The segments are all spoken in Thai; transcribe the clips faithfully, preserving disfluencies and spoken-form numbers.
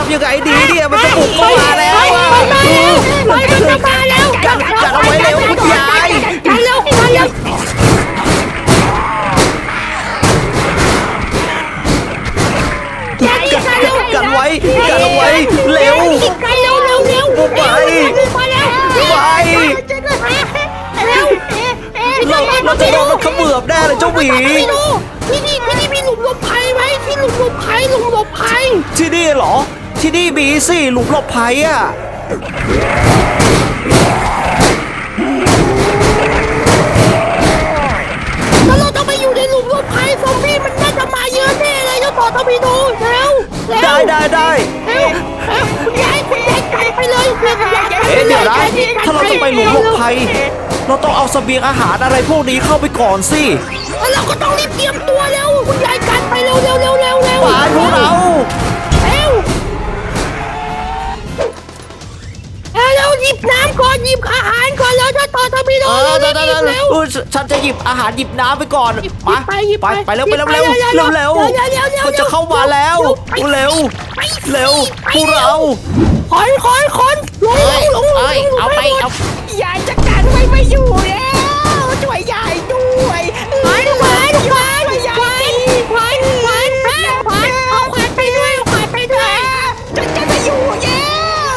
ำยังไงดีเนี่ยมันจะบุกเข้ามาแล้วอะกันกันเอาไว้เร็วคุณยายกันเร็วกันเร็วกันไว้กันเอาไว้เร็วไปเร็วเร็วเร็วไปไปเราเราจะโดนมันเขมือบแน่เลยเจ้าหมีที่นี่ที่นี่มีหลุมหลบภัยไหมที่หลุมหลบภัยหลุมหลบภัยที่นี่เหรอที่นี่มีสิหลุมหลบภัยอ่ะแล้วเราต้องไปอยู่ในหลุมหลบภัยซอมบี้มันน่าจะมาเยอะแน่เลยเจ้าต่อต้องไปดูเร็วได้ได้ได้เร็วคุณยายคุณยายไกลไปเลยเอ๊ะเดี๋ยวนะถ้าเราจะไปหลุมหลบภัยเราต้องเอาเสบียงอาหารอะไรพวกนี้เข้าไปก่อนสิแล้วเราก็ต้องรีบเตรียมตัวเร็วคุณยายกันไปเร็วเร็วเร็วเร็วเร็วไปพวกเราเร็วเร็วหยิบน้ำก่อนหยิบอาหารก่อนแล้วจะต่อทำไม่ได้เร็วเร็วฉันจะหยิบอาหารหยิบน้ำไปก่อนมาไปไปเร็วไปเร็วเร็วเร็วเร็วมันจะเข้ามาแล้วเร็วเร็วพวกเราคอนคอนคอนลงลงลงเอาไปเอายายจัดการไว้ไม่อยู่แล้วช่วยยายด้วยควันควันควันควันควันควันควันเอาควันไปด้วยเอาควันไปด้วยจะจะไม่อยู่แล้ว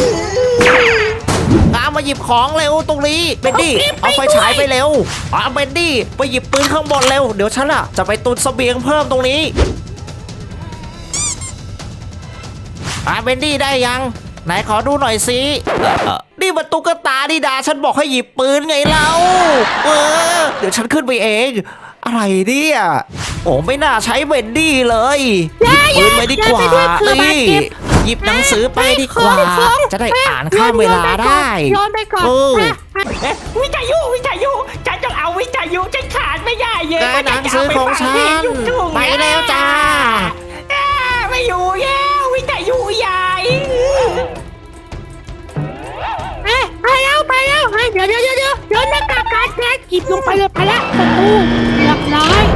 ตามมาหยิบของเร็วตรงนี้เบนดี้เอาไฟฉายไปเร็วเอาเบนดี้ไปหยิบปืนข้างบนเร็วเดี๋ยวฉันอ่ะจะไปตุนเสบียงเพิ่มตรงนี้อ่ะเบนดี้ได้ยังไหนขอดูหน่อยสินี่มันตุ๊กตาดิดาฉันบอกให้หยิบปืนไงเราเออเดี๋ยวฉันขึ้นไปเองอะไรเนี่ยโอ้ไม่น่าใช้เบนดี้เลยหยิบปืนไปดีกว่านี่หยิบหนังสือไปดีกว่าจะได้อ่านข้ามเวลาได้ย้อนไปก่อนวิทยุวิทยุฉันต้องเอาวิทยุฉันขาดไม่ได้เลยหนังสือของฉันไปแล้วจ้าไม่อยู่แล้ววิทยุใหญ่ไปแล้วไปแล้วเดี๋ยวเดี๋ยวเดี๋ยวเดี๋ยวเดี๋ยวหน้ากากการแก๊สหยิบลงไปเลยไปแล้วประตูเรียบร้อย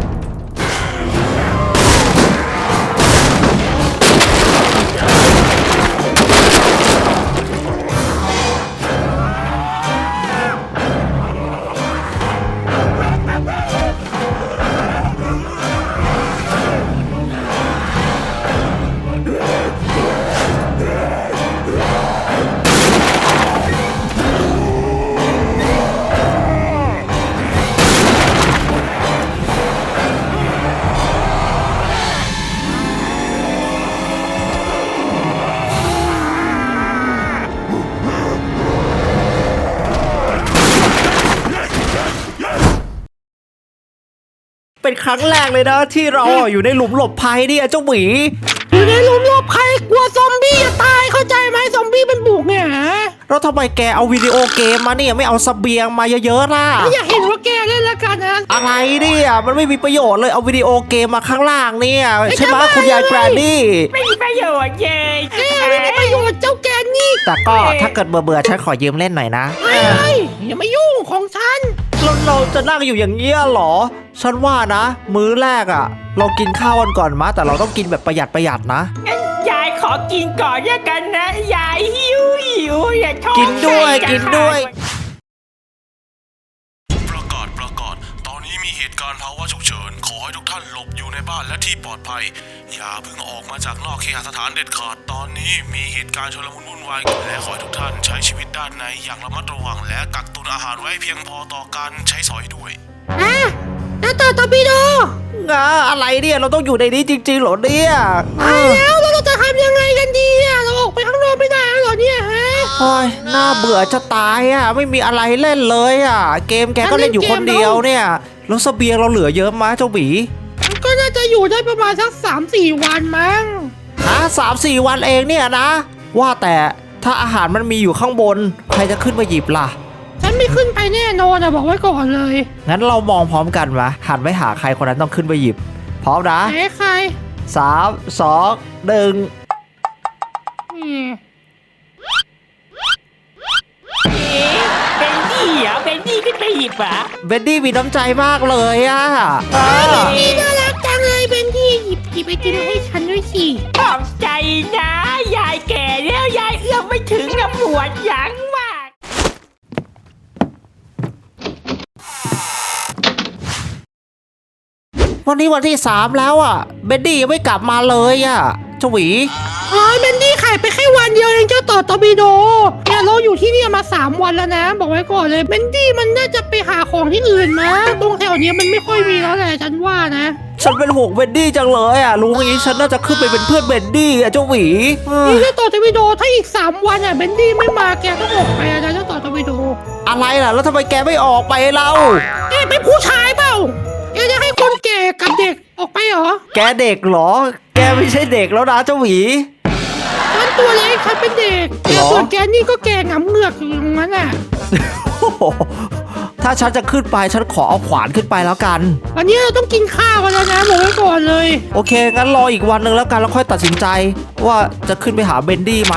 เป็นครั้งแรกเลยนะที่เราอยู่ในหลุมหลบภัยเนี่ยเจ้าหมีอยู่ในหลุมหลบภัยกลัวซอมบี้จะตายเข้าใจไหมซอมบี้เป็นบุกเนี่ยแล้วทำไมแกเอาวิดีโอเกมมาเนี่ยไม่เอาเสบียงมาเยอะๆล่ะไม่อยากเห็นว่าแกเล่นละกันนะอะไรเนี่ยมันไม่มีประโยชน์เลยเอาวิดีโอเกมมาข้างล่างเนี่ยใช่ไหมคุณยายแกรนนี่ไม่มีประโยชน์เลยไม่มีประโยชน์เจ้าแกนี่แต่ก็ถ้าเกิดเบื่อๆฉันขอยืมเล่นหน่อยนะเฮ้ยอย่ามายุ่งของฉันแล้วเราจะนั่งอยู่อย่างเงี้ยหรอฉันว่านะมื้อแรกอ่ะเรากินข้าวกันก่อนมาแต่เราต้องกินแบบประหยัดประหยัดนะยายขอกินก่อนแล้วกันนะยายหิวหิวอย่าท้องกินด้วยกินด้วยประกาศประกาศตอนนี้มีเหตุการณ์ภาวะฉุกเฉินขอให้ทุกท่านหลบอยู่ในบ้านและที่ปลอดภัยอย่าเพิ่งออกมาจากนอกเคหสถานเด็ดขาดตอนนี้มีเหตุการณ์ชุลมุนวุ่นวายและขอให้ทุกท่านใช้ชีวิตด้านในอย่างระมัดระวังและกักตุนอาหารไว้เพียงพอต่อการใช้สอยด้วยอ่ะแล้วต่อตอร์ปิโดงาอะไรเนี่ยเราต้องอยู่ในนี้จริงๆเหรอเนี่ยตายแล้วเราจะทำยังไงกันดีอ่ะเราออกไปข้างนอกไม่ได้เหรอเนี่ยฮะโอ้ยน่าเบื่อจะตายอ่ะไม่มีอะไรเล่นเลยอ่ะเกมแกก็เล่นอยู่คนเดียวเนี่ยแล้วเสบียงเราเหลือเยอะมั้ยเจ้าหมีก็น่าจะอยู่ได้ประมาณสักสามสี่วันมั้งฮะสามสี่วันเองเนี่ยนะว่าแต่ถ้าอาหารมันมีอยู่ข้างบนใครจะขึ้นมาหยิบล่ะฉันไม่ขึ้นไปแน่นอนอะบอกไว้ก่อนเลยงั้นเรามองพร้อมกันวะหันไปหาใครคนนั้นต้องขึ้นไปหยิบพร้อมนะไหนใครสามสองหนึ่งเบนดี้เหรอเบนดี้ขึ้นไปหยิบอ่ะเบนดี้มีน้ำใจมากเลยอ่ะเบนดี้น่ารักจังเลยเบนดี้หยิบหยิบไอติมให้ฉันด้วยสิขอบใจนะถึงกับปวดหลังมากวันนี้วันที่สามแล้วอ่ะเบนดี้ยังไม่กลับมาเลยอ่ะเจ้าหวีอ๋อเบนดี้ขายไปแค่วันเดียวเองเจ้าต่อตอร์ปิโดเนี่ยเราอยู่ที่นี่มาสามวันแล้วนะ บอกไว้ก่อนเลยเบนดี้มันน่าจะไปหาของที่อื่นนะตรงแถวนี้มันไม่ค่อยมีแล้วแหละฉันว่านะฉันเป็นห่วงเบนดี้จังเลยอ่ะรู้งี้ฉันน่าจะขึ้นไปเป็นเพื่อนเบนดี้อ่ะเจ้าหวีเออนี่เจ้าต่อตอร์ปิโดถ้าอีกสามวันอ่ะเบนดี้ไม่มาแกต้องออกไปอะนะเจ้าต่อตอร์ปิโดอะไรล่ะแล้วทำไมแกไม่ออกไปเล่าแกเป็นผู้ชายเปล่าแกจะให้คนแก่กับเด็กออกไปเหรอแกเด็กเหรอ แกไม่ใช่เด็กแล้วนะเจ้าหวีฉันตัวเล็กฉันเป็นเด็กแกหรอส่วนแกนี่ก็แกหงำเหงือกอยู่ตรงนั้นอ่ะโอ้โหถ้าฉันจะขึ้นไปฉันขอเอาขวานขึ้นไปแล้วกันวันนี้เราต้องกินข้าวกันแล้วนะบอกไว้ก่อนเลยโอเคงั้นรออีกวันหนึ่งแล้วกันแล้วค่อยตัดสินใจ ว่าจะขึ้นไปหาเบนดี้ไหม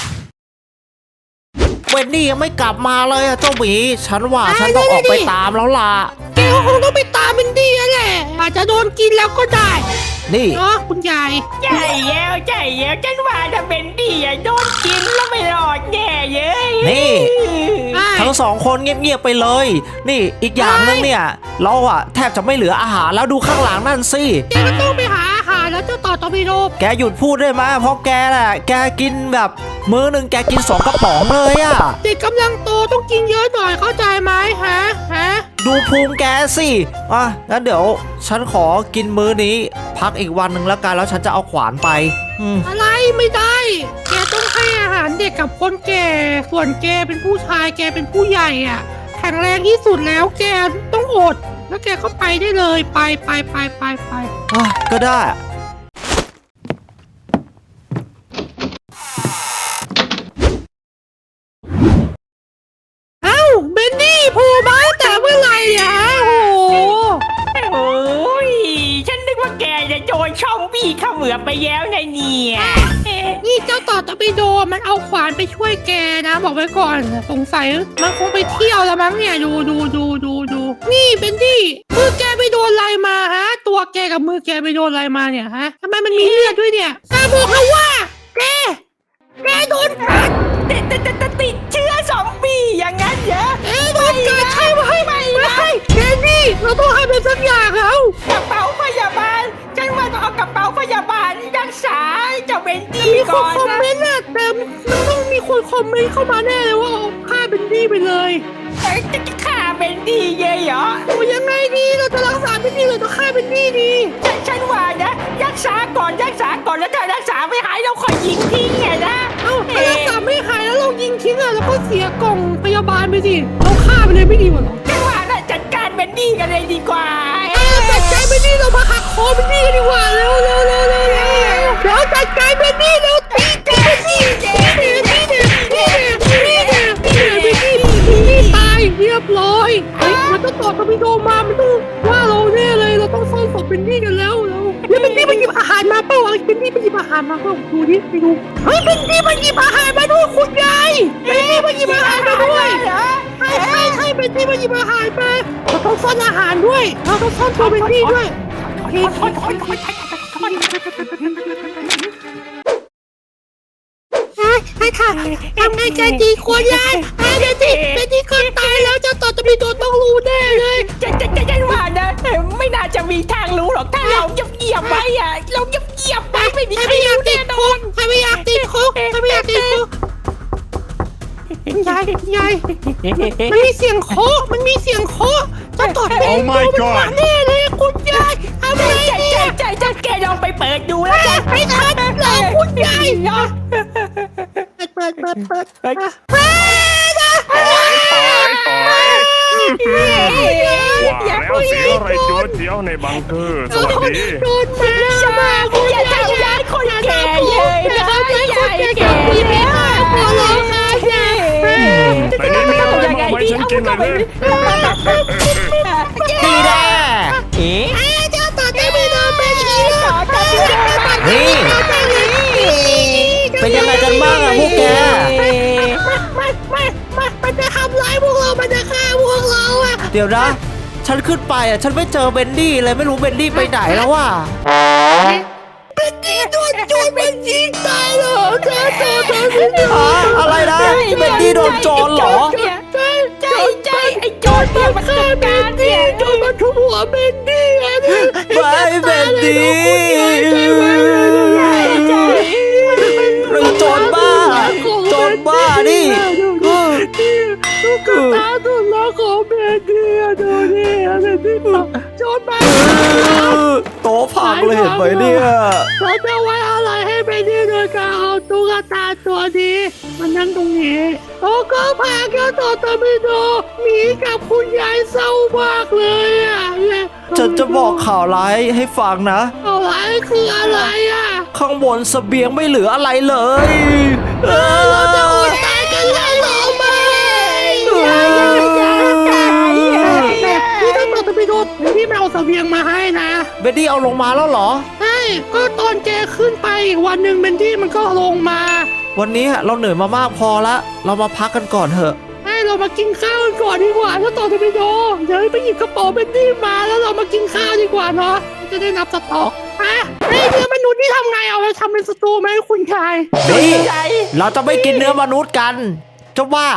เบนดี้ยังไม่กลับมาเลยอะเจ้าหมีฉันว่าฉันต้องออกไปตามแล้วล่ะแกก็คงต้องไปตามเบนดี้แล้วแหละอาจจะโดนกินแล้วก็ได้นี่เนาะคุณยายใช่แล้วใช่แล้วฉันว่าถ้าเป็นดีอะโดนกินแล้วไม่รอดแน่เย้ยนี่ ทั้งสองคนเงียบๆไปเลย นี่อีกอย่างนึงเนี่ยเราอะแทบจะไม่เหลืออาหารแล้วดูข้างหลังนั่นสิแกก็ต้องไปหาอาหารแล้วเจ้าต่อตอร์ปิโดแกหยุดพูดได้ไหมเพราะแกน่ะแกกินแบบมื้อหนึ่งแกกินสองกระป๋องเลยอะเด็กกำลังโตต้องกินเยอะหน่อยเข้าใจไหมฮะฮะดูพุงแกสิอ่ะงั้นเดี๋ยวฉันขอกินมื้อนี้ พักอีกวันหนึ่งแล้วกันแล้วฉันจะเอาขวานไปอืมอะไรไม่ได้ แกต้องให้อาหารเด็กกับคนแก่ ส่วนแกเป็นผู้ชายแกเป็นผู้ใหญ่อ่ะ แข็งแรงที่สุดแล้วแกต้องอด แล้วแกก็ไปได้เลยไปไปไปไปไปอ่ะก็ได้เอ้าเบนดี้โผล่มาตั้งแต่เมื่อไหร่เนี่ยฮะโอ้โหโอ้ยฉันนึกว่าแกจะโดนช่องบี้เขมือบไปแล้วนะเนี่ยเอ๊ะนี่เจ้าต่อตอร์ปิโดมันเอาขวานไปช่วยแกนะ บอกไว้ก่อนสงสัยมันคงไปเที่ยวแล้วมั้งเนี่ยดูดูดูดูดูนี่เบนดี้มือแกไปโดนอะไรมาฮะ ตัวแกกับมือแกไปโดนอะไรมาเนี่ยฮะทำไมมันมีเลือดด้วยเนี่ยแกบอกเขาว่าแกแกโดนกัดติดติดติดติดติดเชื้อซอมบี้อย่างนั้นเหรอแกโดนกัดใช่ไหมไม่ไม่นะใช่แกนี่เราต้องให้เป็นสักอย่างแล้วกระเป๋าพยาบาลฉันว่าต้องเอากระเป๋าพยาบาลรักษาเจ้าเบนดี้มีคก่นอนคอมนะเมนต์อะแต่มันต้องมีคนคอมเมนต์เข้ามาแน่เลยว่าเอาฆ่าเบนดี้ไปเลยเอ้ยจะฆ่าเบนดี้เยอะเหรอโอ้ยังไงดีเราจะรักษาเป็นดีหรือต้องฆ่าเป็นดีดีฉันฉันว่านะรักษาก่อนรักษาก่อนแล้วถ้ารักษาไม่หายเราค่อยยิงทิ้งไงนะเอ้าถ้ารักษาไม่หายแล้วเรายิงทิ้งอะแล้วก็เสียกล่องพยาบาลไปสิเราฆ่าไปเลยไม่ดีกว่าหรอฉันว่าน่าจัดการเบนดี้กันเลยดีกว่าเอ้าจัดการเป็นดีเรามาหักคอเป็นดีกันดีกว่าเร็วเร็วเร็วเร็วเร็วเดี๋ยวจัดการเป็นดีเร็วตีตีเป็นดีตีเด็ตีเด็ตีเด็ตีเด็ตีเด็เป็นดีเป็นดีตายเรียบร้อยเฮ้ยมันต้องต่อตอร์ปิโดมามันต้องว่าเราแน่เลยเราต้องซ่อนศพเป็นดีกันแล้วแล้วแล้วเป็นดีไปหยิบอาหารมาเปล่าเอาเป็นดีไปหยิบอาหารมาเปล่าดูดิไปดูเฮ้ยเป็นดีมาหยิบอาหารมาด้วยคุณยายเป็นดีมาหยิบอาหารมาด้วยเหรอใช่ใช่ใช่เป็นดีมาหยิบอาหารมาเราต้องซ่อนอาหารด้วยเราต้องซ่อนตัวเป็นดีด้วยโอเคถอยถอยถอยถอยถอยใช่ค่ะทำไงใจดีควรยายไอ้เป็นดีเป็นดีคนตายแล้วเจ้าต่อตะบีโดนต้องรู้แน่เลยจะจะจะจะว่านะไม่น่าจะมีทางรู้หรอกถ้าเราเงียบเงียบไว้อะเราเงียบเงียบไว้ไม่มีใครใครไม่อยากรู้ติแน่ดนคุอก นใครไม่อยากติดคุกใครไม่อยากติดคุกยายยายมันมีเสียงโคมันมีเสียงโคเจ้าต่อตะบีโดมันมาแน่เลยคุณยายทำไงใจดีใจใจใจแกลองไปเปิดดูแล้วกันไม่ทันแล้วคุณยายเนาะเปิดเปิดเปิดเปิดเปิดนะถอยถอยถอยว่าแล้วเสียงอะไรโจดเจียวในบังเกอร์สวัสดีโดนมามาคุณยายอย่าทำร้ายคนแก่เลยอย่านะทำร้ายคนยายแก่แก่ดีไหมคะขอร้องค่ะยายแต่นี่มีอะไรมาไว้ฉันกินเลยดีแน่เอ๊ะเจ้าต่อได้ไม่โดนเป็นอีกแล้วนี่ เป็นยังไงกันบ้างอะพวกแกไม่ไม่ไม่มันจะทำร้ายพวกเรามันจะฆ่าพวกเราอ่ะเดี๋ยวนะ ฉันขึ้นไปอ่ะฉันไม่เจอเบนดี้เลยไม่รู้เบนดี้ไปไหนแล้วว่ะเป็นดีโดนโจรเป็นยิงตายเหรอเจ้าต่อได้ไม่โดอ๋อน อะไรเป็นโจรเหรอเนี่ยใช่ใช่ใช่ไอ้โจรเนี่ยมันจัดการเนี่ยโจรมาทุบหัวเบนดี้อะเนี่ยไม่เป็นดีใช่ไหมใช่ใช่เรื่องโจรบ้าโจรบ้านี่เออลูกกระตาตุนล้อของเบนดี้อะดูนี่อะเบนดี้บอกโจรมาโต๊ะพังเลยเห็นไหมเนี่ยเราจะไว้อะไรให้เบนดี้โดยการเอาตุ๊กตาตัวนี้มันนั่งตรงนี้โอ้ก็พาแกต่อตะมิโดหมีกับคุณยายเศร้ามากเลยอ่ะเนี่ยฉันจะบอกข่าวร้ายให้ฟังนะอะไรคืออะไรอ่ะข้างบนเสบียงไม่เหลืออะไรเลยเออเราจะอดตายกันแล้วเหรอไหม นี่ถ้าต่อตะมิโดพี่ไม่เอาเสบียงมาให้นะเบดดี้เอาลงมาแล้วเหรอใช่ก็ตอนแกขึ้นไปอีกวันหนึ่งเบนดี้มันก็ลงมาวันนี้เราเหนื่อยมามากพอละเรามาพักกันก่อนเถอะให้เรามากินข้าวกันก่อนดีกว่าถ้าต่อจะไปโดเดี๋ยวไปหยิบกระเป๋าเบนดี้มาแล้วเรามากินข้าวดีกว่าเนาะจะได้นับสต็อกอ่ะไอ้เนื้อมนุษย์นี่ทำไงเอาไปทำเป็นสตูไหมคุณชายนี่เราจะไม่กินเนื้อมนุษย์กันเจ้าว่า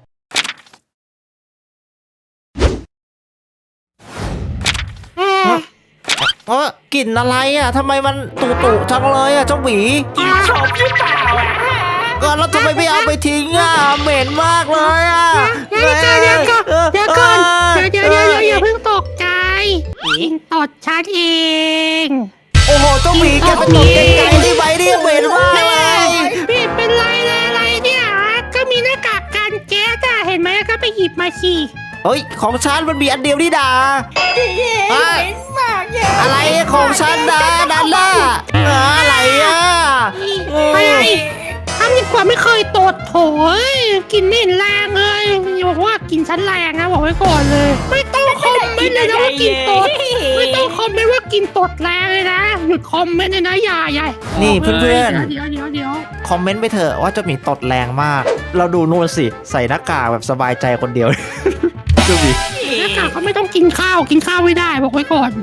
เออกลิ่นอะไรอ่ะทำไมมันตุตุจังเลยอ่ะเจ้าหมีกินชมหรือเปล่าอ่ะก็แล้วทำไมไม่เอาไปทิ้งอ่ะเหม็นมากเลยอ่ะเดี๋ยวก่อนเดี๋ยวก่อนเดี๋ยวก่อนเดี๋ยวเดี๋ยวเดี๋ยวอย่าเพิ่งตกใจกินตดชัดเองโอ้โหเจ้าหมีแกไปตดไกลๆได้ไหมเนี่ยเหม็นมากเลยพี่เป็นไรเลยอะไรเนี่ยก็มีหน้ากากกันแก๊สอะเห็นไหมก็ไปหยิบมาสิเฮ้ยของฉันมันมีอันเดียวนี่ดาเหม็นมากเนี่ยอะไรของฉันนะดันล่ะเอออะไรอ่ะอะไรทำดีกว่าไม่เคยตดโถยกินไม่เห็นแรงเลยอย่าบอกว่ากินชั้นแรงนะบอกไว้ก่อนเลย ไม่ต้องคอมเมนต์เลยนะว่ากินตดไม่ต้องคอมเมนต์ว่ากินตดแรงเลยนะหยุดคอมเมนต์เลยนะอย่าอย่านี่เพื่อนเดี๋ยวเดี๋ยวเดี๋ยวๆคอมเมนต์ไปเถอะว่าเจ้าหมีตดแรงมาก เราดูนู่นสิใส่หน้ากากแบบสบายใจคนเดียว เจ้าหมีหน้ากากเขาไม่ต้องกินข้าวกินข้าวไม่ได้บอกไว้ก่อน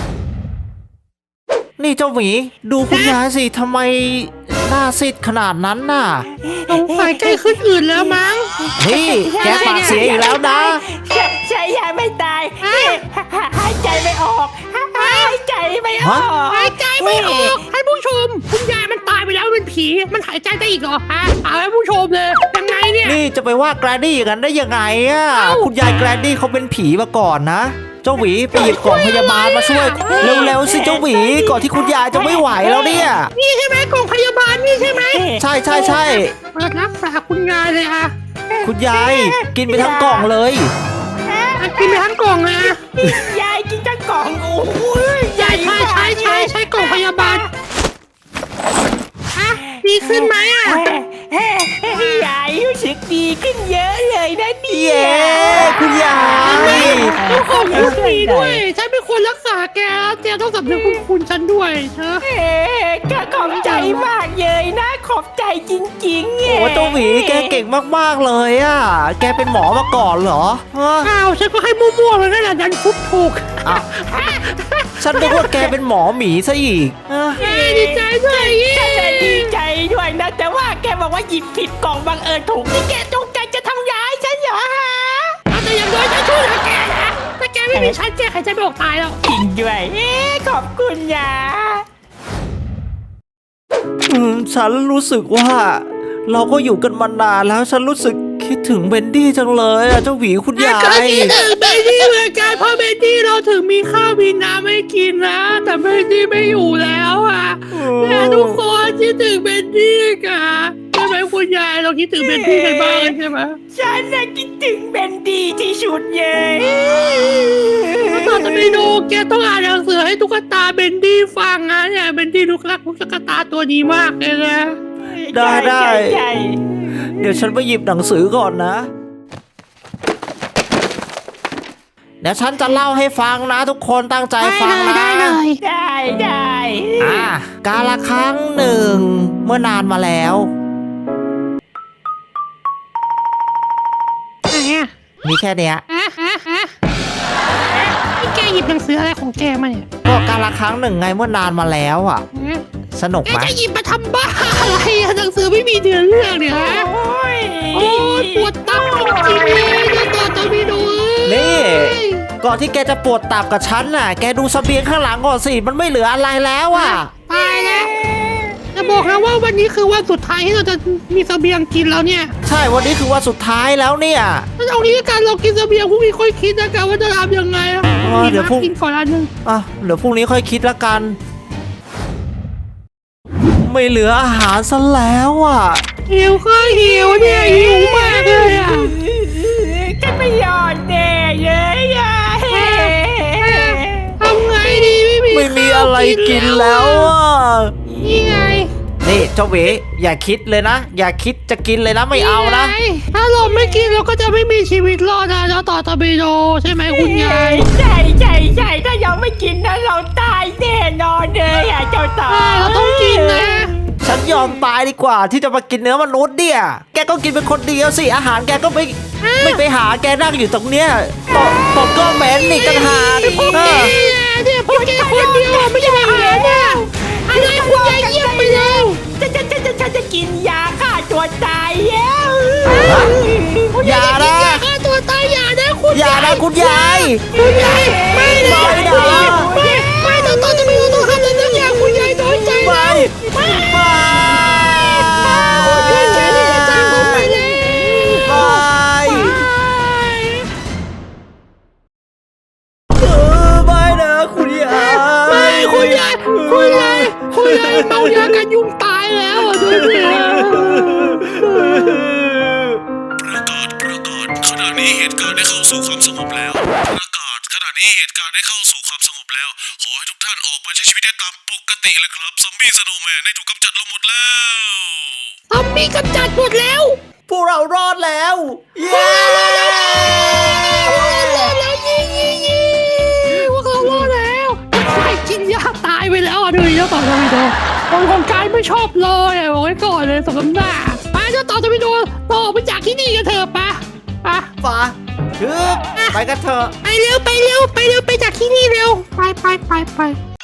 นี่เจ้าหมีดูคุณยายสิทำไมหน้าซีดขนาดนั้นน่ะสงสัยใกล้ขึ้นอื่นแล้วมั้งนี่แกปากเสียอีกแล้วนะใช่ใช่ยายไม่ตายหายใจไม่ออกหายใจไม่ออกหายใจไม่ออกให้ผู้ชมคุณยายมันตายไปแล้วเป็นผีมันหายใจได้อีกเหรอฮะเอาให้ผู้ชมเลยยังไงเนี่ยนี่จะไปว่าแกรนดี้อย่างนั้นได้ยังไงอ่ะเอ้าคุณยายแกรนดี้เขาเป็นผีมาก่อนนะ เจ้าหวีไปหยิบกล่องพยาบาลมาช่วย เร็วๆสิเจ้าหวีก่อนที่คุณยายจะไม่ไหวแล้วเนี่ยนี่ใช่ไหมกล่องพยาบาลนี่ใช่ไหมใช่ใช่ใช่เปิดรักษาคุณยายเลยอะคุณยายกินไปทั้งกล่องเลยอ่ะกินไปทั้งกล่องเลยอะยายกินทั้งกล่องโอ้ยยายใช้ใช้ใช้ใช้กล่องพยาบาลอะดีขึ้นไหมอะยายรู้สึกดีขึ้นเยอะเลยนะเนี่เย้ยคุณยายต้องขอบคุณดีด้วยฉันเป็นคนรักษาแกแกต้องสำนึกคุณคุณฉันด้วยเธอเอ๊ะก็ขอบใจมากเลยนะ ขอบใจจริงๆโอ้เจ้าหวีแกเก่งมากๆเลยอ่ะ แกเป็นหมอมาก่อนเหรอฮะอ้าวฉันก็ให้มั่วๆเลยนั่นแหละดันฟุบถูกอ้าวฉันนึกว่าแกเป็นหมอหมีซะอีกฮะเย้ดีใจด้วยเย้ฉันน่ะดีใจด้วยนะ แต่ว่าแกบอกว่าหยิบผิดกล่องบังเอิญถูกนี่แกจงใจจะทำร้ายฉันเหรอฮะเอาแต่อย่างน้อยฉันช่วยเหลือแกนะถ้าแกไม่มีฉันแกใครจะไม่ออกตายแล้วจริงด้วยเอ๊ะขอบคุณยาอืมฉันรู้สึกว่า เราก็อยู่กันมานานแล้ว ฉันรู้สึกคิดถึงเบนดี้จังเลยอ่ะเจ้าหวีคุณยาก็ยคิดถึงเบนดี้เหมือนกันเพราะเบนดี้เราถึงมีข้าวมีน้ำให้กินนะแต่เบนดี้ไม่อยู่แล้วอ่ะแม่ทุกคนคิดถึงเบนดี้กันใช่ไหมคุณยายเราคิดถึงเบนดี้กันบ้างใช่ไหมฉันน่ะคิดถึงเบนดีที่สุดเลยตอนจะไปดูแกต้องอ่านหนังสือให้ตุ๊กตาเบนดี้ฟังนะเนี่ยเบนดี้ลูกรักตุ๊กตาตัวนี้มากเลยนะได้ได้ใช่ใช่เดี๋ยวฉันไปหยิบหนังสือก่อนนะ เดี๋ยวฉันจะเล่าให้ฟังนะ ทุกคนตั้งใจฟังนะได้เลยได้ได้อ่ะกาละครั้งหนึ่ง เมื่อนานมาแล้วไหนอะมีแค่เนี้ยฮะฮะฮะนี่แกหยิบหนังสืออะไรของแกมาเนี่ยก็กาละครั้งหนึ่งไงเมื่อนานมาแล้วอ่ะฮะสนุกแกไหมจะหยิบมาทำบ้าอะไรอะหนังสือไม่มีเดือนเรื่องเนี่ยฮะโอ้ยโอ้ยปวดตาก่อนที่แกจะปวดตับกับฉันน่ะ แกดูเสบียงข้างหลังก่อนสิ มันไม่เหลืออะไรแล้วอ่ะตายแล้วจะบอกนะว่าวันนี้คือวันสุดท้ายที่เราจะมีเสบียงกินแล้วเนี่ยใช่วันนี้คือวันสุดท้ายแล้วเนี่ยถ้าเอางี้กันเรากินเสบียงพรุ่งนี้ค่อยคิดนะกันว่าจะทำยังไงอะเออเดี๋ยวพรุ่งกินก่อนอันหนึงอ่ะเดี๋ยวพรุ่งนี้ค่อยคิดละกัน ไม่เหลืออาหารซะแล้วอ่ะหิวก็หิวเนี่ยหิวมากเลยอ่ะฉันไม่ยอมแน่เลยอ่ะทำไงดีไม่มีไม่มีอะไรกินแล้วอ่ะนี่ไงนี่เจ้าหวีอย่าคิดเลยนะ อย่าคิดจะกินเลยนะไม่เอานะไงถ้าเราไม่กินเราก็จะไม่มีชีวิตรอดนะเจ้าต่อตะบิโดใช่ไหมคุณยายใช่ใช่ใช่ถ้ายังไม่กินนะเราตายแน่นอนเลยอ่ะเจ้าต่ออ่าเราต้องกินนะฉันยอมตายดีกว่าที่จะมากินเนื้อมนุษย์เนี่ย แกก็กินเป็นคนเดียวสิ อาหารแกก็ไม่ไม่ไปหาแกนั่งอยู่ตรงเนี้ยผมผมก็เหม็นอีกต่างหากพวกเอแกอเนี่ยพวกแกคนเดียวอะไม่ใช่อาหารเนี่ยอะไรคุณยายเยี่ยมไปแล้วจะจะจะจะจะจะกินยาฆ่าตัวตายแล้วอย่านะอย่าฆ่าตัวตายอย่านะคุณอย่านะคุณยายคุณยายไม่นะไม่นะไม่ไม่ต้องต้องจะมีต้องทำอะไรสักอย่างคุณยายน้อยใจไปนะไปคุณยายใจที่จะจากผมไปแล้วไปไปเออไม่นะคุณยายไม่คุณยายคุณยายคุณยายเมายากันยุงตายแล้วอ่ะดูสิประกาศประกาศขณะนี้เหตุการณ์ได้เข้าสู่ความสงบแล้ว ประกาศขณะนี้เหตุการณ์ได้เข้าสู่ความสงบแล้ว ขอให้ทุกท่านออกมาใช้ชีวิตได้ตามปกติเลยครับซอมบี้สโนว์แมนได้ถูกกำจัดลงหมดแล้วทอมมี่กำจัดหมดแล้วพวกเรารอดแล้ว เย้แล้วยี่ยี่ยี่พวกเรารอดแล้วใครกินยาตายไปแล้วอ่ะดูเจ้าต่อทวิโดคนของกายไม่ชอบเลยอ่ะบอกไว้ก่อนเลยสมน้ำหน้าไปเจ้าต่อทวิโดต่อไปจากที่นี่กันเถอะปะปะฟ้าฮึบไปกันเถอะไปเร็วไปเร็วไปเร็วไปจากที่นี่เร็วไปไปไปไป